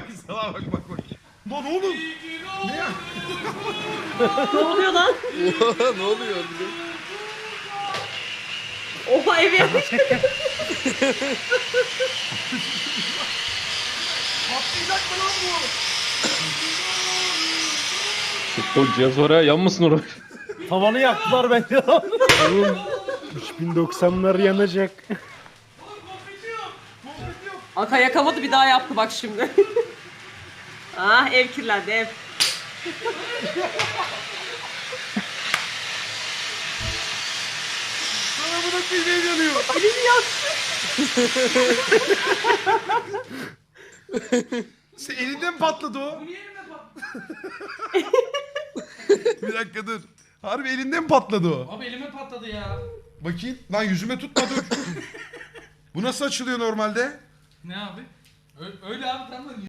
Salaha bak bak bak. Lan oğlum. Ne ya? Ne oluyor lan? Oha, ne oluyor bize? Oha evi yapmış. Patlayacak mı lan bu? O cihaz var ya, yanmasın oraya. Tavanı yaktılar bence. Oğlum 3090'lar yanacak. Aka yakamadı bir daha yaptı bak şimdi. Ah ev kirlendi ev. Sana bu da bir yanıyor. Elini yaktı. Sen elinden mi patladı o? Bir dakika dur. Harbi elinden mi patladı o? Abi elime patladı ya. Bakayım. Lan yüzüme tutma dur. Bu nasıl açılıyor normalde? Ne abi? Öyle abi tamam.